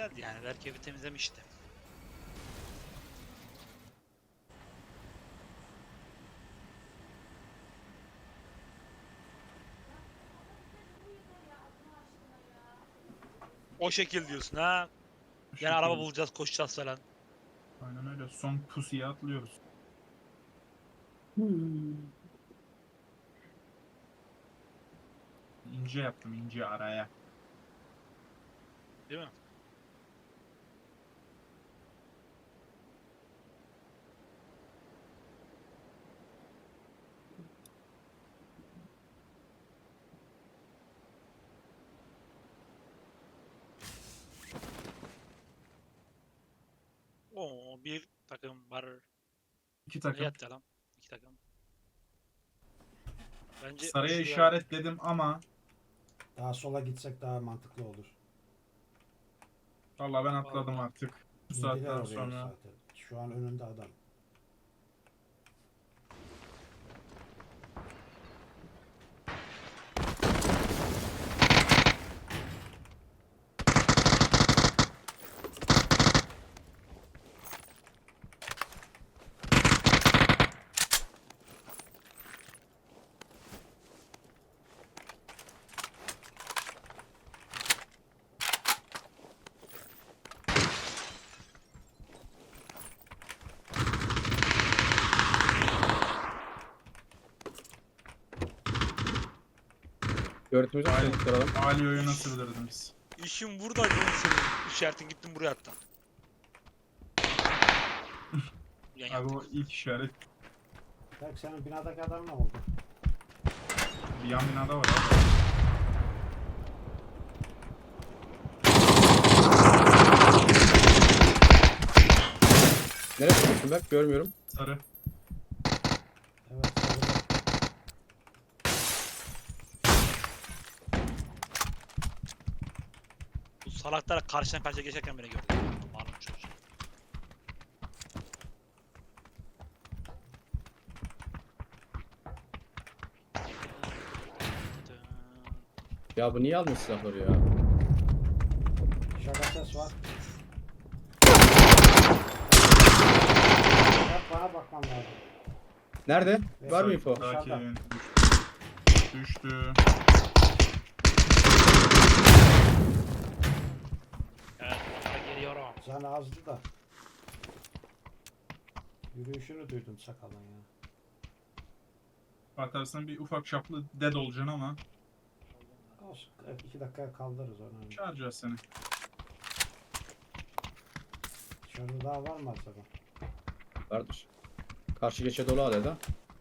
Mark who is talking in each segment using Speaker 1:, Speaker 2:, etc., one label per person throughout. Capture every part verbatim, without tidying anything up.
Speaker 1: güzeldi yani. Belki evi temizlemişti. O şekil diyorsun ha.
Speaker 2: Bu
Speaker 1: Yani araba
Speaker 2: şekilde.
Speaker 1: bulacağız, koşacağız falan.
Speaker 2: Aynen öyle. Son pusuya atlıyoruz. Hmm. İnce yaptım, ince araya.
Speaker 1: Değil mi? Oo, bir takım var.
Speaker 2: İki
Speaker 1: Nereye
Speaker 2: takım.
Speaker 1: atlayalım? İki takım. Bence
Speaker 2: Saraya
Speaker 1: şuraya
Speaker 2: işaretledim ama
Speaker 3: Daha sola gitsek daha mantıklı olur.
Speaker 2: vallahi ben atladım
Speaker 1: vallahi
Speaker 2: artık. Bu
Speaker 3: İndiler
Speaker 2: saatten
Speaker 3: oraya
Speaker 2: sonra.
Speaker 3: zaten. Şu an önünde adam.
Speaker 4: Göğretimizi
Speaker 2: Ali,
Speaker 4: çalıştıralım.
Speaker 2: Ali oyuna sürdürdüm biz.
Speaker 1: işim burada Johnson. İşaretin gittim buraya attım. Yan
Speaker 2: Abi o
Speaker 1: yattık.
Speaker 2: ilk işaret.
Speaker 3: Belki senin binadaki adam ne oldu?
Speaker 2: Bir yan binada var abi.
Speaker 4: Nereye çıkıyorsun Berk? Görmüyorum.
Speaker 2: Sarı.
Speaker 3: Evet. Sarıda.
Speaker 1: Bu salaklar karşıdan karşıya geçerken beni gördü. Malum çocuğum.
Speaker 4: Ya bu niye almıyor silahları ya?
Speaker 3: Şaka ses var. Bak bana bakmam lazım.
Speaker 4: Nerede?
Speaker 3: Evet.
Speaker 4: Var mı info?
Speaker 2: Daki
Speaker 3: Dışarıda.
Speaker 2: evin düştü. Düştü.
Speaker 1: Evet, bana geliyorum.
Speaker 3: Can azdı da. Yürüyüşünü duydum sakalın ya.
Speaker 2: Atarsın bir ufak çaplı dead olacaksın ama
Speaker 3: Olsun. Evet, iki dakika kaldırırız onu.
Speaker 2: çağıracağız seni.
Speaker 3: Dışarıda daha var mı acaba?
Speaker 4: Vardır. Karşı geçe dolu adeta.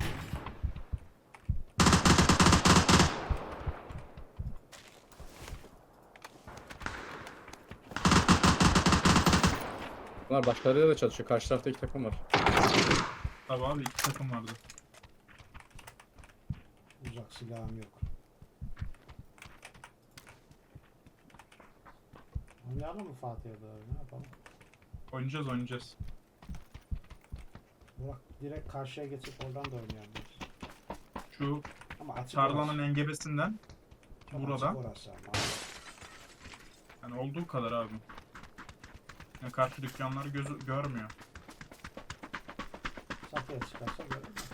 Speaker 4: Bunlar başkalarıyla da çalışıyor. Karşı tarafta iki takım var.
Speaker 2: Tabii abi iki takım vardı.
Speaker 3: Uzak silahım yok. Oynayalım mı Fatih'e doğru? Ne yapalım?
Speaker 2: Oynayacağız oynayacağız.
Speaker 3: Burak direkt karşıya geçip oradan da oynayabiliriz.
Speaker 2: Şu
Speaker 3: Ama açık
Speaker 2: tarlanın
Speaker 3: orası.
Speaker 2: engebesinden
Speaker 3: Çok
Speaker 2: burada.
Speaker 3: açık orası ama.
Speaker 2: Yani olduğu kadar abi. Yani karşı dükkanları gözü görmüyor.
Speaker 3: Safiye çıkarsa görür mü?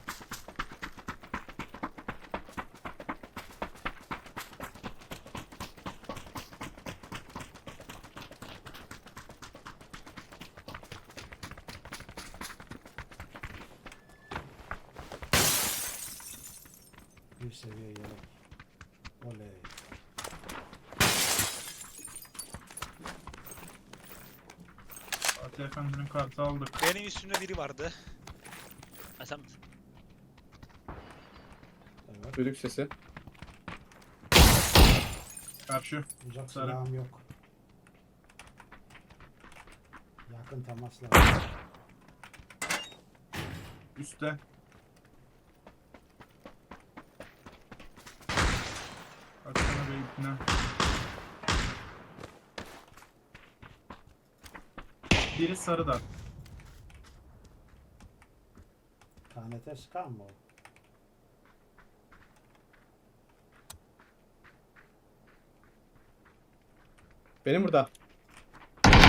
Speaker 3: Bir seviye yelek. Oley.
Speaker 2: Fatih Efendi'nin kartı aldık.
Speaker 1: Benim üstümde biri vardı. Ha sen misin?
Speaker 3: Evet.
Speaker 4: Düdük sesi.
Speaker 2: Karşı.
Speaker 3: Uzak
Speaker 2: Sarı.
Speaker 3: silahım yok. Yakın temas lazım.
Speaker 2: Üste. Baksana be ipne. Biri sarıda.
Speaker 3: K N T sıkar mı o?
Speaker 4: Benim burada.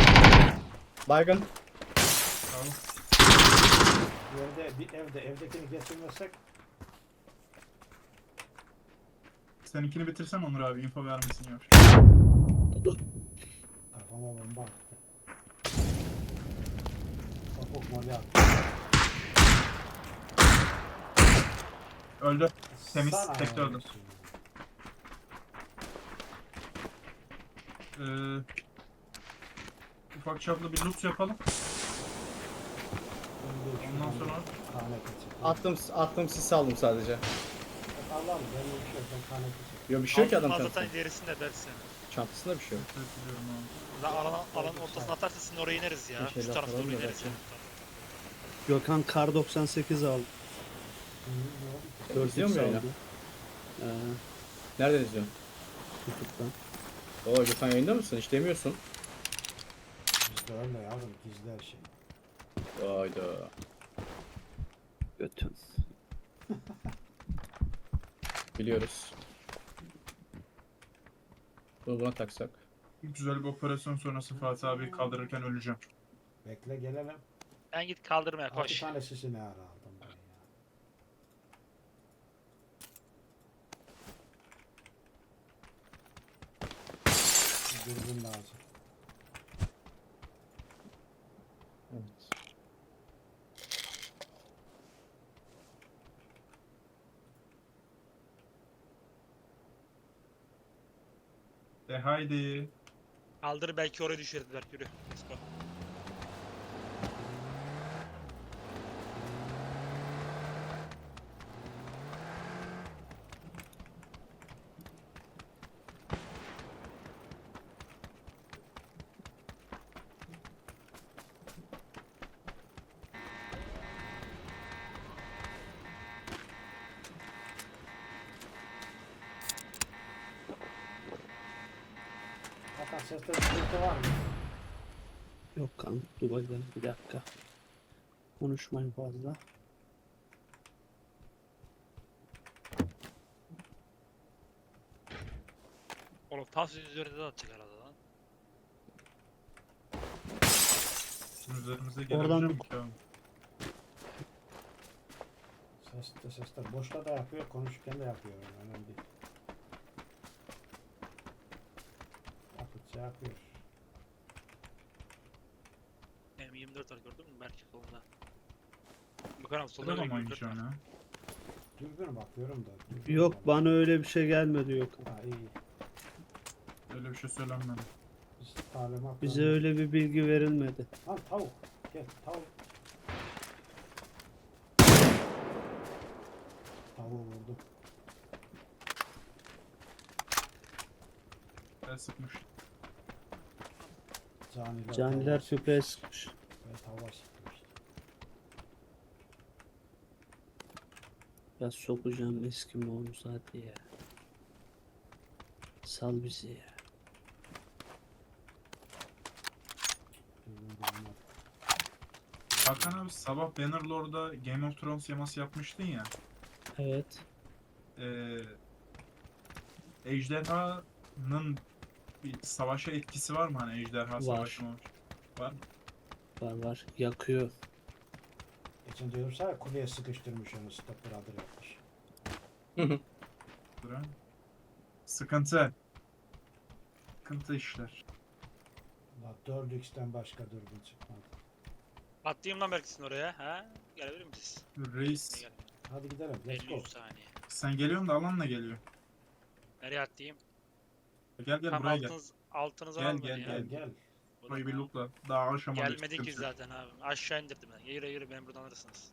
Speaker 4: Baygın.
Speaker 2: Tamam.
Speaker 3: Yerde bir evde evdekini geçirmezsek
Speaker 2: Seninkini bitirsen Onur abi info vermesin yavaş.
Speaker 3: kafama bomba attı. Topuk moli attı.
Speaker 2: Öldü. Temiz,
Speaker 3: Sana
Speaker 2: tek de öldü.
Speaker 3: olsun.
Speaker 2: Ee, ufak çaplı bir loot yapalım.
Speaker 3: Şimdi
Speaker 2: Ondan
Speaker 3: şuradan
Speaker 2: sonra
Speaker 3: bir Kane geçirdim.
Speaker 4: Attım attım sisi aldım sadece.
Speaker 3: Allah'ım benim bir şey yok. Ben kane geçirdim.
Speaker 4: Yok bir şey yok ki adam
Speaker 1: Altın
Speaker 4: çantasında.
Speaker 1: zaten ilerisinde dersin.
Speaker 4: Çantasında bir şey yok.
Speaker 2: evet, biliyorum abi.
Speaker 1: La alan, alanın ortasına atarsa sizin oraya ineriz ya.
Speaker 4: Bir şeyler
Speaker 1: Şu tarafa doğru
Speaker 4: falan da
Speaker 1: ineriz
Speaker 4: belki.
Speaker 1: ya.
Speaker 5: Gökhan Kar doksan sekiz aldı.
Speaker 3: Hı, ne oldu ki?
Speaker 4: Dört mu yayına?
Speaker 5: Ee,
Speaker 4: Nereden izliyorsun?
Speaker 5: YouTube'dan.
Speaker 4: Oo Gökhan yayında mısın? Hiç demiyorsun.
Speaker 3: Bizde öyle yavrum gizli her şey.
Speaker 4: Hayda.
Speaker 5: Götün.
Speaker 4: Biliyoruz. Bunu buna taksak.
Speaker 2: Güzel bir operasyon sonrası Fatih abi kaldırırken öleceğim.
Speaker 3: Bekle gelelim.
Speaker 1: Ben git kaldırmaya
Speaker 3: Altı
Speaker 1: koş.
Speaker 3: tane sisi ne ara aldım ben ya. Bir dürbün lazım.
Speaker 4: Evet.
Speaker 2: De haydi.
Speaker 1: Kaldır belki oraya düşürdüler. Yürü. Let's go.
Speaker 3: Hakan seste sıkıntı var mı?
Speaker 5: Yok kan. Dur bakalım bir dakika. Konuşmayın fazla.
Speaker 1: Oğlum tas üzerinde de atacak herhalde lan.
Speaker 2: Şimdi üzerimize
Speaker 5: Oradan
Speaker 2: gelebilir
Speaker 5: bir-
Speaker 2: mi ki abi?
Speaker 3: Seste seste. Boşta da yapıyor, konuşurken de yapıyor. Yani önemli değil. Yapıtça yapıyor.
Speaker 1: M yirmi dört var gördün mü? Belki solunda. Gökhan abi solda
Speaker 2: Solda
Speaker 1: da
Speaker 2: mı
Speaker 1: yirmi dört
Speaker 2: oynayacağım
Speaker 1: var.
Speaker 2: ya?
Speaker 3: Dürbün bakıyorum da. dürbün
Speaker 5: Yok
Speaker 3: var.
Speaker 5: bana öyle bir şey gelmedi yok.
Speaker 3: Ha iyi.
Speaker 2: Öyle bir şey söylenmedi.
Speaker 3: Biz talimat.
Speaker 5: Bize öyle bir bilgi verilmedi.
Speaker 3: Lan tavuk. Gel tavuk. Tavuğu vurdum.
Speaker 2: Ben sıkmış.
Speaker 3: Caniler,
Speaker 5: Caniler
Speaker 3: tavuğa
Speaker 5: tüpeye
Speaker 3: sıkmış.
Speaker 5: sıkmış.
Speaker 3: Ben tavuğa sıkmıştım.
Speaker 5: Ya sokacağım eski moğoluz hadi ya. Sal bizi ya.
Speaker 3: Dürbün bulamadım.
Speaker 2: Hakan abi sabah Bannerlord'da Game of Thrones yaması yapmıştın ya.
Speaker 5: Evet.
Speaker 2: Ee, ejderhanın bir savaşa etkisi var mı hani ejderha
Speaker 5: Var.
Speaker 2: savaşı mı? Var mı?
Speaker 5: Var var. Yakıyor.
Speaker 3: Geçen diyorum sana kuleye sıkıştırmış onu stop brother yapmış.
Speaker 2: Dur ha. Sıkıntı. Sıkıntı işler.
Speaker 3: La dört x'ten başka dürbün çıkmadı.
Speaker 1: Atlayayım lan belki sizin oraya. Ha? Gelebilir misiniz?
Speaker 2: Reis
Speaker 1: Gel.
Speaker 3: Hadi gidelim. Let's
Speaker 1: elli
Speaker 3: go.
Speaker 1: yüz saniye.
Speaker 2: sen geliyorsun da alanla geliyor.
Speaker 1: Nereye atlayayım?
Speaker 2: Gel gel
Speaker 1: Tam
Speaker 2: buraya gel.
Speaker 1: altınız, altınızı
Speaker 2: Gel,
Speaker 1: alın
Speaker 2: gel,
Speaker 1: beni
Speaker 3: Gel
Speaker 1: ya.
Speaker 3: gel.
Speaker 2: Burayı bir lootla. Daha aşamadık.
Speaker 1: Gelmedi ki
Speaker 2: sıkıntı yok.
Speaker 1: zaten abi. Aşağı indirdim ben. Yürü yürü beni buradan alırsınız.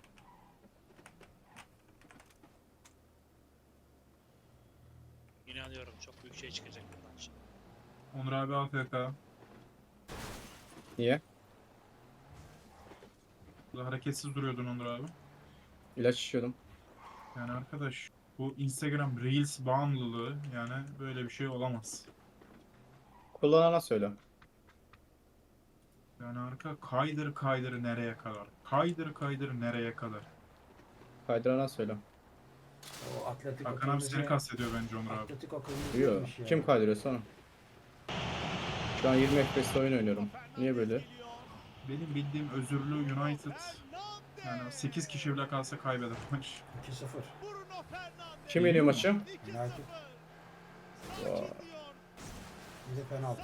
Speaker 1: İnanıyorum çok büyük şey çıkacak buradan şimdi.
Speaker 2: Onur abi A F K.
Speaker 4: Niye?
Speaker 2: Burada hareketsiz duruyordun Onur abi.
Speaker 4: İlaç içiyordum.
Speaker 2: Yani arkadaş bu Instagram Reels bağımlılığı yani böyle bir şey olamaz.
Speaker 4: Kullanana söyle.
Speaker 2: Yani arka kaydır kaydır nereye kadar? Kaydır kaydır nereye kadar?
Speaker 4: Kaydırana söyle.
Speaker 3: O Atletico
Speaker 2: Hakan abi seni
Speaker 3: kırmızı-
Speaker 2: kastediyor bence Onur abi.
Speaker 3: Atletico kırmızı
Speaker 4: Duyuyor.
Speaker 3: yemiş ya.
Speaker 4: Kim kaydırıyor sonra? Şu an yirmi F P S'te oyun oynuyorum. Niye böyle?
Speaker 2: Benim bildiğim özürlü United yani sekiz kişi bile kalsa kaybeder maç.
Speaker 3: iki sıfır.
Speaker 4: Kim yeniyor maçı?
Speaker 3: United.
Speaker 4: Vay.
Speaker 3: Bir de penaltı.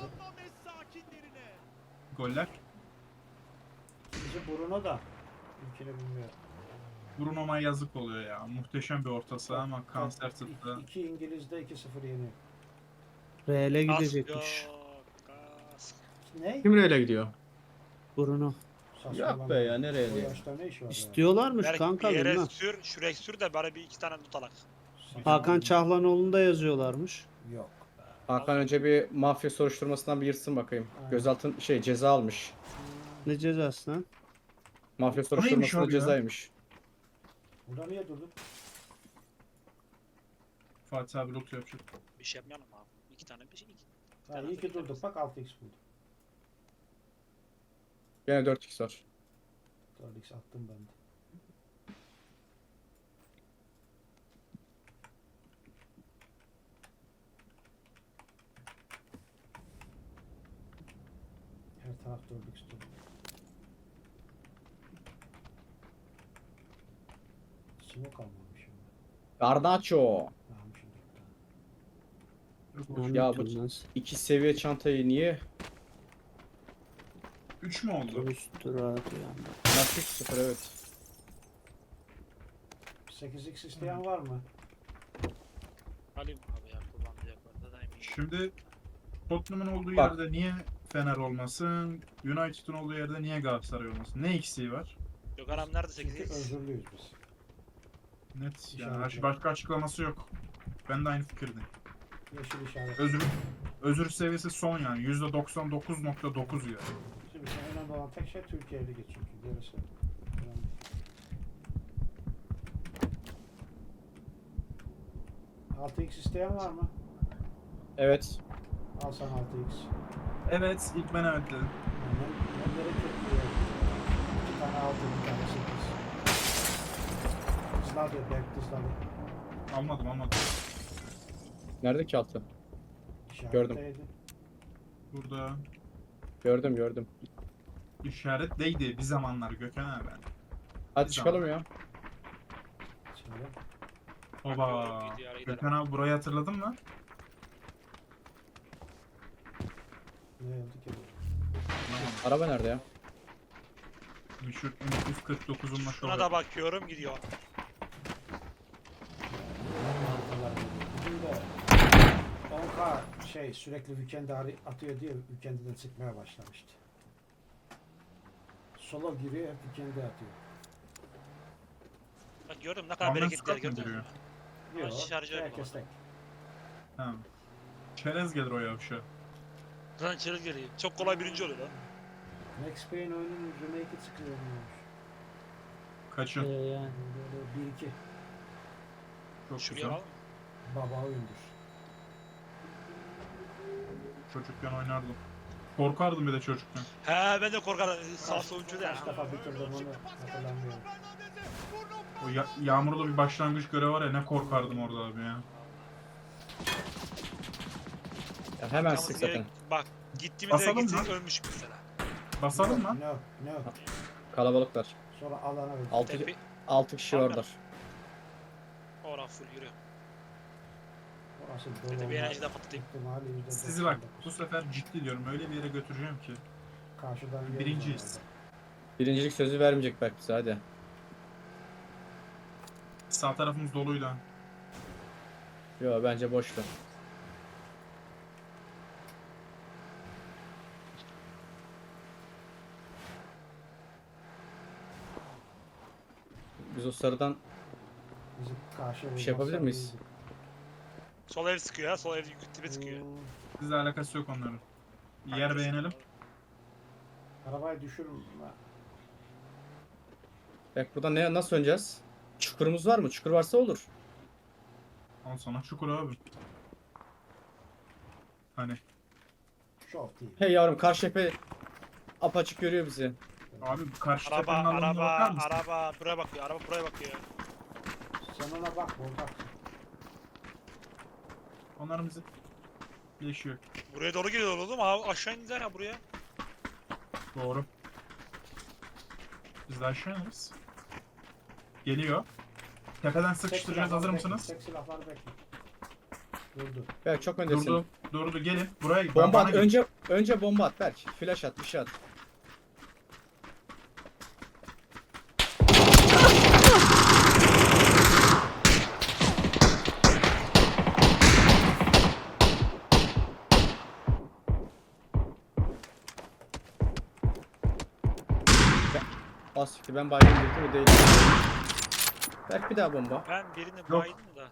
Speaker 2: Goller.
Speaker 3: Bizi Bruno da. İlkini bilmiyorum.
Speaker 2: Bruno'ma yazık oluyor ya. Muhteşem bir ortası ama kanser tuttu.
Speaker 3: İki, iki İngiliz de iki sıfır yeniyor.
Speaker 5: Real'e
Speaker 1: Kask
Speaker 5: gidecekmiş.
Speaker 1: yok, kask.
Speaker 3: Ne?
Speaker 4: Kim Real'e gidiyor?
Speaker 5: Bruno.
Speaker 4: Yok be ya, nereye
Speaker 3: O
Speaker 4: diyor?
Speaker 3: yaşta ne iş var ya?
Speaker 5: İstiyorlarmış
Speaker 1: Belki
Speaker 5: kanka
Speaker 1: bir yere
Speaker 5: bilmem.
Speaker 1: sür, şuraya sür de bari bir iki tane tutalak.
Speaker 5: Hakan Çahlanoğlu'nu da yazıyorlarmış.
Speaker 3: Yok.
Speaker 4: Hakan önce bir mafya soruşturmasından bir yırtsın bakayım.
Speaker 3: Aynen.
Speaker 4: Gözaltın şey ceza almış.
Speaker 5: Ne cezası lan?
Speaker 4: Mafya
Speaker 2: neymiş
Speaker 4: soruşturmasında
Speaker 2: abi ya?
Speaker 4: cezaymış.
Speaker 3: Burada niye durdun?
Speaker 2: Fatih abi loot yapacak.
Speaker 1: Bir şey yapmayalım abi. İki tane bir şey. Iki.
Speaker 3: Ha, iyi ki durduk. Bak altı x buldum.
Speaker 4: Gene dört x var.
Speaker 3: dört x attım ben de. Her taraf dört x dolu. Smoke almamışım ben.
Speaker 4: Garnacho.
Speaker 3: Almışım bir tane.
Speaker 4: Ya bu-
Speaker 5: Anlatın nasıl?
Speaker 4: İki seviye çantayı niye?
Speaker 2: üç mü oldu?
Speaker 5: Üstü rahat yani.
Speaker 4: Nasıl sıfır evet.
Speaker 3: sekiz x isteyen var mı?
Speaker 1: Alayım abi ya kullanmayacak varsa da eminim.
Speaker 2: Şimdi Tottenham'ın olduğu
Speaker 4: Bak.
Speaker 2: yerde niye Fener olmasın? United'ın olduğu yerde niye Galatasaray olmasın? Ne eksiği var?
Speaker 1: Yok aram nerede sekiz
Speaker 3: Çünkü
Speaker 1: x?
Speaker 3: özürlüyüz biz.
Speaker 2: Net. Yani
Speaker 3: İşaret
Speaker 2: baş-
Speaker 3: yok.
Speaker 2: başka açıklaması yok. Ben de aynı fikirdeyim.
Speaker 3: Yeşil işaret.
Speaker 2: Özür özür seviyesi son yani. yüzde doksan dokuz nokta dokuz ya.
Speaker 3: Şimdi sen önemli olan tek şey Türkiye Ligi çünkü. Gerisi önemli. altı x isteyen var mı?
Speaker 4: Evet.
Speaker 3: Al sana altı x.
Speaker 2: Evet, ilk ben evet dedim.
Speaker 3: Yani Nemlere kötü. İki tane altı, bir tane sekiz. Tızladı, back tızladı.
Speaker 2: Almadım almadım.
Speaker 4: Nerede ki altı?
Speaker 3: İşaretteydi.
Speaker 2: Burada
Speaker 4: Gördüm gördüm.
Speaker 2: işaretteydi bir zamanlar Gökhan abi.
Speaker 4: Hadi
Speaker 2: Bir
Speaker 4: çıkalım ya.
Speaker 3: Şimdi
Speaker 2: Oba.
Speaker 1: Gidiyor, gidelim.
Speaker 2: Gökhan abi burayı hatırladın mı?
Speaker 3: ne oldu ki bu?
Speaker 4: Araba nerede ya?
Speaker 2: Meşhur M iki kırk dokuzun
Speaker 1: Şuna da bakıyorum gidiyor.
Speaker 3: Haritalar geliyor. Bugün de on K şey sürekli weekend'e arı- atıyor diye weekend'den çıkmaya başlamıştı. Solo giriyor hep weekend'e atıyor.
Speaker 1: Bak gördün mü ne kadar
Speaker 2: Ahmet
Speaker 1: bereketli
Speaker 2: Scott mı
Speaker 1: gördün mü?
Speaker 2: giriyor?
Speaker 3: Yok.
Speaker 1: şarjör yok
Speaker 3: Herkes tek.
Speaker 2: Ha. Çerez gelir o yavşa.
Speaker 1: Lan çırıl geliyor. Çok kolay birinci oluyor lan.
Speaker 3: Max Payne oyunun remake'i çıkıyormuş.
Speaker 2: Kaçın.
Speaker 5: Ee, yani.
Speaker 3: Böyle bir iki
Speaker 2: Çok
Speaker 1: Şuraya
Speaker 2: güzel.
Speaker 1: al.
Speaker 3: baba oyundur.
Speaker 2: Çocukken oynardım. Korkardım bir de çocukken.
Speaker 1: He ben de korkarım. Sağ sonucu da.
Speaker 3: Kaç defa bitirdim onu hatırlamıyorum.
Speaker 2: O ya- yağmurlu bir başlangıç görevi var ya ne korkardım orada abi ya.
Speaker 4: Ya hemen sık zaten.
Speaker 1: Bak gittiğimizde
Speaker 2: Basalım
Speaker 1: gitsek
Speaker 2: mı?
Speaker 1: ölmüşük mesela.
Speaker 2: Basalım mı?
Speaker 3: No, no.
Speaker 4: Kalabalıklar.
Speaker 3: Sonra alana ver.
Speaker 4: Altı,
Speaker 1: Tepe.
Speaker 4: altı kişi
Speaker 1: Abi.
Speaker 4: orada.
Speaker 1: Ora full yürü.
Speaker 3: Orası
Speaker 1: Bir de
Speaker 3: dolu
Speaker 1: bir
Speaker 3: olma
Speaker 1: enerji de patlatayım.
Speaker 3: ihtimali yüzde
Speaker 2: Sizi bak
Speaker 3: doksan dokuz.
Speaker 2: bu sefer ciddi diyorum öyle bir yere götüreceğim ki.
Speaker 3: Karşıdan yeriz
Speaker 2: Birinciyiz.
Speaker 3: onlardan.
Speaker 4: Birincilik sözü vermeyecek belki bize hadi.
Speaker 2: Sağ tarafımız doluydu. ha.
Speaker 4: Yo bence boştu. Biz o sarıdan
Speaker 3: Bizi karşı
Speaker 4: Bir şey yapabilir
Speaker 3: vurmazsa
Speaker 4: miyiz?
Speaker 3: iyiydi.
Speaker 1: Sol ev sıkıyor ya. Sol ev tipe sıkıyor.
Speaker 3: Hmm,
Speaker 2: Sizle alakası yok onların. Bir yer beğenelim.
Speaker 3: Arabayı düşürme.
Speaker 4: bak buradan ne nasıl oynayacağız? Çukurumuz var mı? Çukur varsa olur.
Speaker 2: Al sana çukur abi. Hani
Speaker 3: Şov değil.
Speaker 4: Hey yavrum karşı tepe apaçık görüyor bizi.
Speaker 2: abi karşı
Speaker 1: Araba,
Speaker 2: tepenin alanına
Speaker 1: araba,
Speaker 2: bakar mısın?
Speaker 1: araba. Buraya bakıyor. Araba buraya bakıyor.
Speaker 3: Sen ona bak bak.
Speaker 2: Onların bizi yaşıyor.
Speaker 1: Buraya doğru geliyor oğlum. Ha, aşağı indiler ha buraya.
Speaker 2: Doğru. Biz de aşağı ineriz. Geliyor. Tepeden sıkıştıracağız. Hazır mısınız?
Speaker 3: Tek silahları bekle. Durdu.
Speaker 4: Berk çok öndesin.
Speaker 2: Durdu. Durdu. Gelin. Buraya
Speaker 4: Bomba
Speaker 2: bana
Speaker 4: at.
Speaker 2: gelin.
Speaker 4: Önce önce bomba at Berk. Flash at, bir şey at. Az siktir, ben baygın girdim, o değil. Berk bir daha bomba.
Speaker 1: Ben birini baydım da.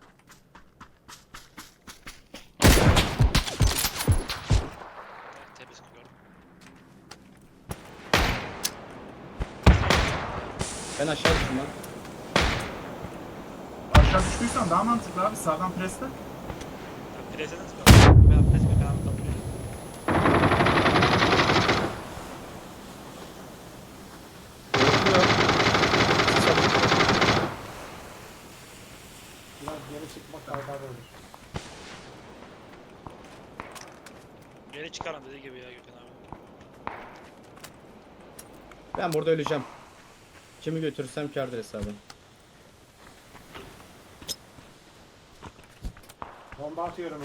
Speaker 1: Evet, temiz gördüm.
Speaker 4: Ben aşağı düştüm lan.
Speaker 2: Aşağı düştüysen daha mantıklı abi. Sağdan presle.
Speaker 1: Ya preseden sıkıyorum. Ben pres ben kabul ediyorum.
Speaker 3: Biraz geri çıkmak kaydarı olur.
Speaker 1: Geri çıkarım dediği gibi ya Gökhan abi.
Speaker 4: Ben burada öleceğim. Kimi götürürsem kârdır hesabı.
Speaker 3: Bomba atıyorum.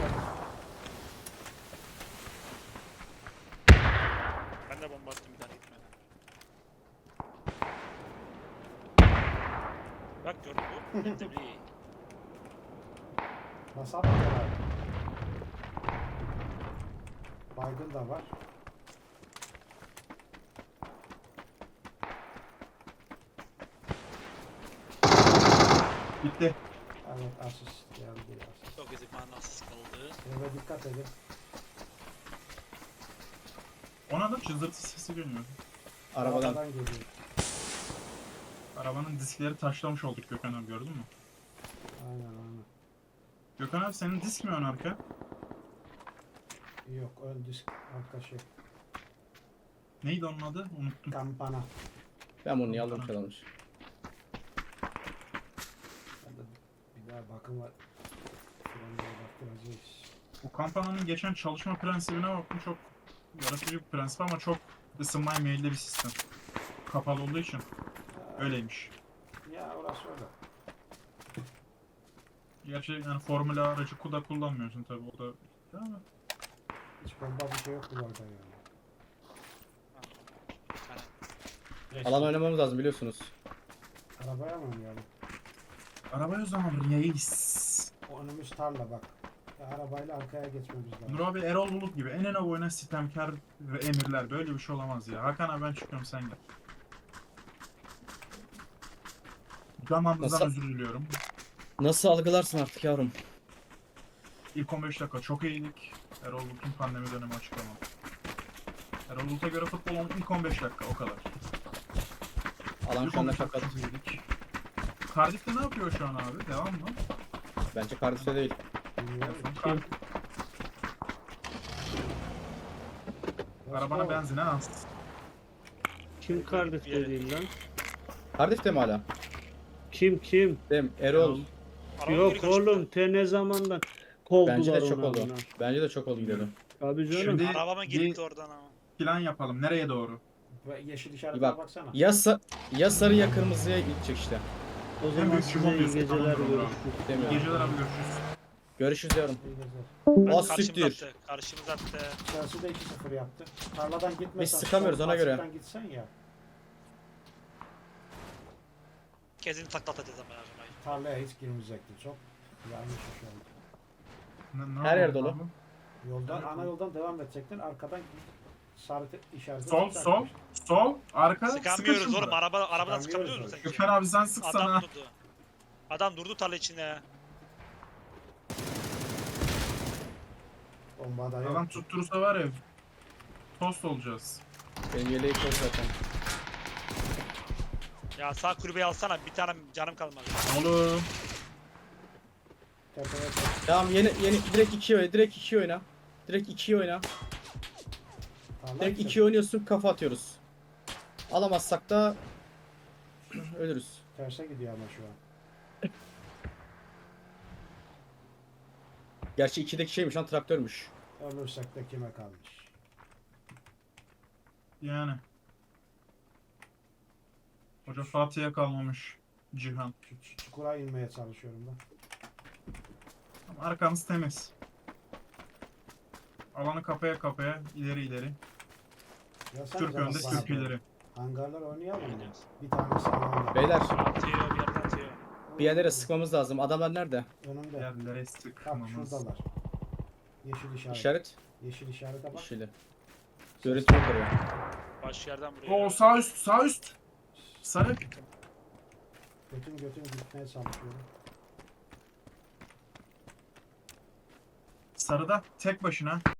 Speaker 1: Ben de bomba attım bir tane gitmedi. Bak gördün mü? Ben de bir-
Speaker 3: Nasıl atıyor abi? Baygın da var.
Speaker 2: Bitti.
Speaker 3: Evet asist geldi. Asist.
Speaker 1: Çok ezik manasız kaldı.
Speaker 3: Eve dikkat edin.
Speaker 2: Ona da cızırtı sesi geliyor.
Speaker 4: Arabadan.
Speaker 3: Arabadan geliyor.
Speaker 2: Arabanın diskleri taşlamış olduk Gökhan abi, gördün mü?
Speaker 3: Aynen aynen.
Speaker 2: Gökhan abi senin disk mi ön arka?
Speaker 3: Yok ön disk arka şey.
Speaker 2: Neydi onun adı? Unuttum.
Speaker 3: Kampana.
Speaker 4: Ben bunu niye aldım çalmış.
Speaker 3: Ben de bir daha bakım var. Frenlere baktıracağız.
Speaker 2: Bu kampanyanın geçen çalışma prensibine baktım, çok yaratıcı bir prensip ama çok ısınmaya meyilli bir sistem. Kapalı olduğu için öyleymiş.
Speaker 3: Ya orası öyle.
Speaker 2: Gerçi yani formüla aracı kuda kullanmıyorsun tabi, o da ama
Speaker 3: Hiç bomba bir şey yok bu arada yani.
Speaker 1: Bir tane.
Speaker 4: Alan oynamamız lazım biliyorsunuz.
Speaker 3: Arabaya mı oynayalım?
Speaker 2: arabaya o zaman reis.
Speaker 3: O önümüz tarla bak. Ya arabayla arkaya geçmemiz lazım.
Speaker 2: Nur abi Erol Bulut gibi en en oyuna sitemkar ve emirler, böyle bir şey olamaz ya. Hakan abi ben çıkıyorum, sen gel. Zamanımızdan
Speaker 4: Nasıl-
Speaker 2: özür diliyorum.
Speaker 4: Nasıl algılarsın artık yavrum?
Speaker 2: İlk on beş dakika çok iyiydik. Erol Bulut'un pandemi dönemi açıklama. Erol Bulut'a göre futbolun ilk on beş dakika o kadar.
Speaker 4: Alan
Speaker 2: İlk
Speaker 4: şu
Speaker 2: on
Speaker 4: anda
Speaker 2: beş dakika
Speaker 4: fakat.
Speaker 2: çok iyiydik. Cardiff'te ne yapıyor şu an abi? Devam mı?
Speaker 4: Bence Cardiff'te değil.
Speaker 3: Bilmiyorum.
Speaker 2: Cardiff,
Speaker 3: Let's
Speaker 2: arabana
Speaker 3: go.
Speaker 2: benzine az.
Speaker 5: Kim Cardiff dediğin lan?
Speaker 4: Cardiff'te mi hala?
Speaker 5: Kim kim?
Speaker 4: Dem Erol.
Speaker 1: Araba geri
Speaker 5: Yok
Speaker 1: kaçtı.
Speaker 5: oğlum te ne zamandan kovdular
Speaker 4: Bence de çok
Speaker 5: onu
Speaker 4: oldu.
Speaker 5: amına.
Speaker 4: Bence de çok oldu gidelim.
Speaker 5: Tabii canım.
Speaker 2: Şimdi
Speaker 1: Arabama
Speaker 2: bir
Speaker 1: gitti oradan ama.
Speaker 2: plan yapalım. Nereye doğru?
Speaker 3: Ve yeşil
Speaker 4: Bir
Speaker 3: işaretine
Speaker 4: bak.
Speaker 3: baksana.
Speaker 4: Ya, sa ya sarı ya kırmızıya gidecek işte.
Speaker 5: O zaman
Speaker 2: büyük
Speaker 5: size
Speaker 2: çubuğu
Speaker 5: iyi
Speaker 2: diyorsun,
Speaker 5: geceler
Speaker 2: tamam, bravo.
Speaker 5: görüşürüz.
Speaker 4: Demiyorum.
Speaker 2: Geceler abi, görüşürüz.
Speaker 4: Görüşürüz yavrum.
Speaker 3: İyi geceler.
Speaker 1: Ben
Speaker 4: Az
Speaker 1: karşımıza
Speaker 4: siktir.
Speaker 1: attı. Karşımıza attı.
Speaker 3: Chelsea de iki sıfır yaptı. Tarladan gitmesen.
Speaker 4: Biz sıkamıyoruz, ona göre.
Speaker 3: Açıktan gitsen ya.
Speaker 1: Kesin taklatacağız ama lazım.
Speaker 3: Tarlaya hiç girmeyecekti. Çok yanlış iş oldu.
Speaker 2: Ne- ne
Speaker 4: Her yer
Speaker 2: yapalım
Speaker 4: dolu.
Speaker 2: abi?
Speaker 3: Yoldan, ana yoldan devam edecektin. Arkadan sarı te- işareti.
Speaker 2: Sol, sol, sol, arka,
Speaker 1: Sıkamıyoruz
Speaker 2: sıkışın
Speaker 1: oğlum.
Speaker 2: buna.
Speaker 1: Araba, arabadan
Speaker 3: Sıkamıyoruz
Speaker 1: sıkabiliyoruz
Speaker 3: öyle.
Speaker 1: sanki.
Speaker 2: Gökhan abi sen sıksana.
Speaker 1: Adam durdu. Adam durdu tarla içinde.
Speaker 3: Bomba da yok.
Speaker 2: Adam tutturursa var ya, tost olacağız.
Speaker 4: Benim yeleği çok zaten.
Speaker 1: Ya sağ kulübeyi alsana. Bir tane canım kalmadı.
Speaker 2: Oğlum.
Speaker 3: Tepeye tep-
Speaker 4: Tamam yeni yeni direkt iki oyna. Direkt iki oyna. Direkt iki oyna.
Speaker 3: tarla
Speaker 4: Direkt
Speaker 3: gidecek.
Speaker 4: iki oynuyorsun, kafa atıyoruz. Alamazsak da ölürüz.
Speaker 3: Terse gidiyor ama şu an.
Speaker 4: Gerçi ikideki şeymiş lan, traktörmüş.
Speaker 3: Ölürsek de kime kalmış?
Speaker 2: Yani. Hoca Fatih'e kalmamış Cihan.
Speaker 3: Şu- şu Çukura inmeye çalışıyorum ben.
Speaker 2: Ama arkamız temiz. Alanı kapaya kapaya ileri ileri.
Speaker 3: Ya sen
Speaker 2: Türk
Speaker 3: zaman
Speaker 2: önde
Speaker 3: bana
Speaker 2: Türk
Speaker 3: doğru.
Speaker 2: ileri.
Speaker 3: Hangarlar oynayalım mı?
Speaker 1: Oynuyoruz.
Speaker 3: Bir tanesi alanda.
Speaker 4: Beyler
Speaker 1: Atıyor bir yerden atıyor.
Speaker 4: bir yerlere sıkmamız lazım. Adamlar nerede?
Speaker 3: Önümde.
Speaker 2: Yerlere
Speaker 3: Bak
Speaker 2: sıkmamız.
Speaker 3: şuradalar. Yeşil işaret.
Speaker 4: İşaret.
Speaker 3: Yeşil işarete bak.
Speaker 4: Yeşili. Görüntü yok oraya.
Speaker 1: Baş yerden buraya.
Speaker 2: Oo sağ üst sağ üst. Sarı.
Speaker 3: Götüm götüm gitmeye çalışıyorum.
Speaker 2: Sarıda tek başına.